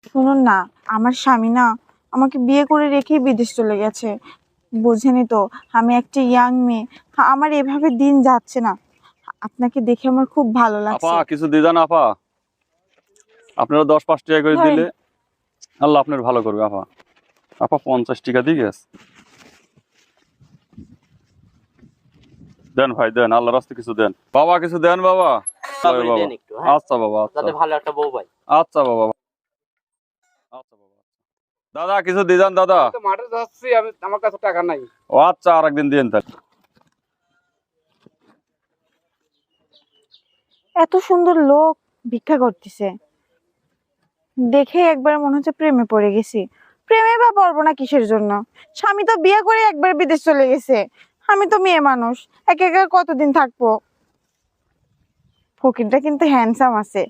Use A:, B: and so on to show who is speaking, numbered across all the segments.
A: শুনুন না, আমার স্বামী না আমাকে বিয়ে করে রেখেই বিদেশ চলে গেছে। বোঝেনি তো, আমি একটা ইয়াং মেয়ে। আমার এভাবে দিন যাচ্ছে না। আপনাকে দেখে আমার খুব ভালো
B: আপা
A: লাগছে।
B: কিছু দিদান আপা, আপনারা 10-5 টাকা করে
A: ধরেন।
B: দিলে আল্লাহ আপনার ভালো করবে আপা। আপা 50 টাকা দিয়ে গেছে, দেন ভাই দেন, আল্লাহ রাস্তে কিছু দেন বাবা, কিছু দেন বাবা।
C: তারপরে
B: বাবা
C: দেন একটু, হ্যাঁ,
B: আচ্ছা বাবা, আচ্ছা
C: যাতে ভালো একটা বউ পাই।
B: আচ্ছা বাবা, আচ্ছা বাবা। দাদা কিছু দিদান দাদা।
D: আমি তো মাঠে যাচ্ছি, আমার কাছে টাকা নাই।
B: ও আচ্ছা, আরেকদিন দিন তাহলে।
A: এত সুন্দর লোক ভিক্ষা করতেছে, দেখে একবার মনে হচ্ছে প্রেমে পড়ে গেছি। প্রেমে বা পড়বো না কিসের জন্য? স্বামী তো বিয়ে করে একবার বিদেশ চলে গেছে। আমি তো মেয়ে মানুষ, একা একা কতদিন থাকবো? ফকিরটা কিন্তু হ্যান্ডসাম আছে।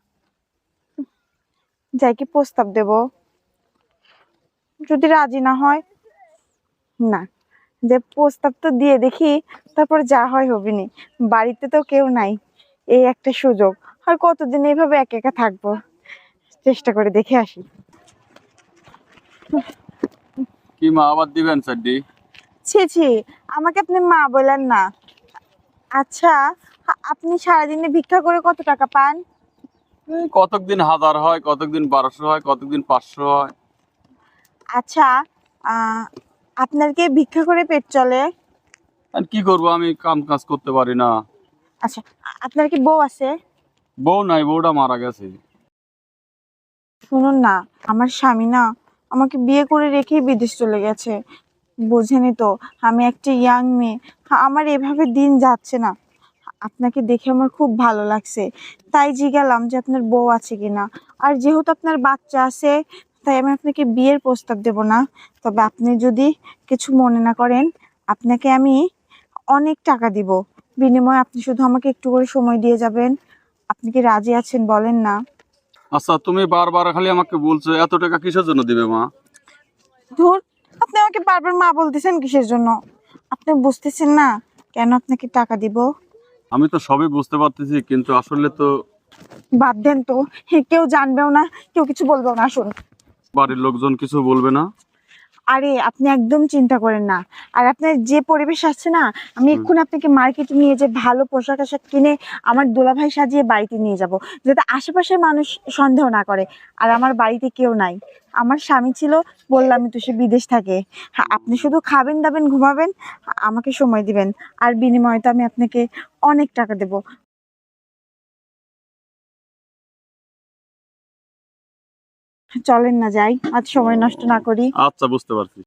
A: যাই কি প্রস্তাব দেব, যদি রাজি না হয়? না, যে প্রস্তাব তো দিয়ে দেখি, তারপর যা হয় হবেনি। বাড়িতে তো কেউ নাই, এই একটা সুযোগ। আর কতদিন এইভাবে একা একা থাকবো? চেষ্টা করে দেখে আসি।
B: কি মা আবার দিবেন স্যারডি?
A: ছি ছি, আমাকে আপনি মা বলেন না। আচ্ছা, আপনি সারাদিনে ভিক্ষা করে কত টাকা পান?
B: কতদিন 1000 হয়, কতদিন 1200 হয়, কতদিন 500 হয়।
A: আচ্ছা, আহ আপনার কি ভিক্ষা করে পেট চলে?
B: আর কি করবো, আমি কাম কাজ করতে পারি না।
A: আচ্ছা, আপনার কি বউ আছে?
B: বউ নাই, বউটা মারা গেছে।
A: শুনুন না, আমার স্বামী না আমাকে বিয়ে করে রেখেই বিদেশ চলে গেছে। বোঝেনি তো, আমি একটা ইয়াং মেয়ে। আমার এভাবে দিন যাচ্ছে না। আপনাকে দেখে আমার খুব ভালো লাগছে, তাই জিজ্ঞালাম যে আপনার বউ আছে কিনা। আর যেহেতু আপনার বাচ্চা আছে, তাই আমি আপনাকে বিয়ের প্রস্তাব দেব না। তবে আপনি যদি কিছু মনে না করেন, আপনাকে আমি অনেক টাকা দিব। বিনিময়ে আপনি শুধু আমাকে একটু করে সময় দিয়ে যাবেন। আপনি কি রাজি আছেন বলেন না?
B: আচ্ছা, তুমি বারবার খালি আমাকে বলছো, এত টাকা কিসের জন্য দিবে মা?
A: ধুর, আপনি আমাকে বারবার মা বলতেছেন কিসের জন্য? আপনি বুঝতেছেন না কেন আপনাকে টাকা দিব?
B: আমি তো সবই বুঝতে পারতেছি, কিন্তু আসলে তো
A: বাদ দেন তো, কেউ জানবেও না, কেউ কিছু বলবেও না। আসুন।
B: বাড়ির লোকজন কিছু বলবে না।
A: আরে আপনি একদম চিন্তা করেন না। আর আপনার যে পরিবেশ আছে না, আমি এক্ষুনি আপনাকে মার্কেটে নিয়ে যে ভালো পোশাক আশাক কিনে আমার দোলাভাই সাজিয়ে বাড়িতে নিয়ে যাব, যাতে আশেপাশের মানুষ সন্দেহ না করে। আর আমার বাড়িতে কেউ নাই, আমার স্বামী ছিল, বললামই তো সে বিদেশ থাকে। আপনি শুধু খাবেন দাবেন ঘুমাবেন, আমাকে সময় দিবেন। আর বিনিময়ে তো আমি আপনাকে অনেক টাকা দেব। চলেন না যাই, আজ সময় নষ্ট না করি।
B: আচ্ছা, বুঝতে পারছি।